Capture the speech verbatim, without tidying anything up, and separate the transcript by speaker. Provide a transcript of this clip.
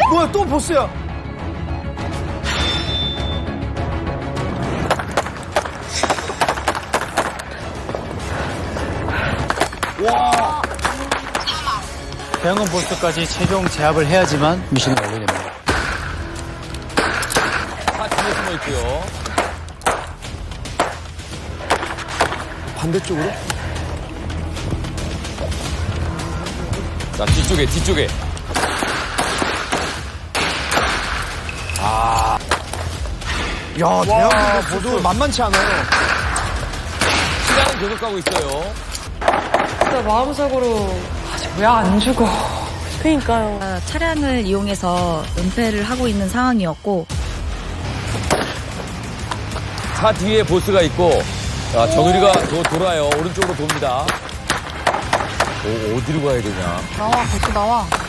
Speaker 1: 뭐야, 또 보스야. 와.
Speaker 2: 대형은 보스까지 최종 제압을 해야지만 미션을 완료됩니다.
Speaker 3: 차 뒤에 숨어 있고요.
Speaker 1: 반대쪽으로?
Speaker 3: 자, 뒤쪽에, 뒤쪽에.
Speaker 1: 야, 대형 보스 만만치 않아요.
Speaker 3: 시간은 계속 가고 있어요.
Speaker 4: 진짜 마음속으로 왜 안 죽어. 그니까요.
Speaker 5: 아, 차량을 이용해서 은폐를 하고 있는 상황이었고
Speaker 3: 차 뒤에 보스가 있고, 자, 정유리가 도, 돌아요. 오른쪽으로 돕니다. 오, 어디로 가야 되냐.
Speaker 4: 나와, 벌써 나와.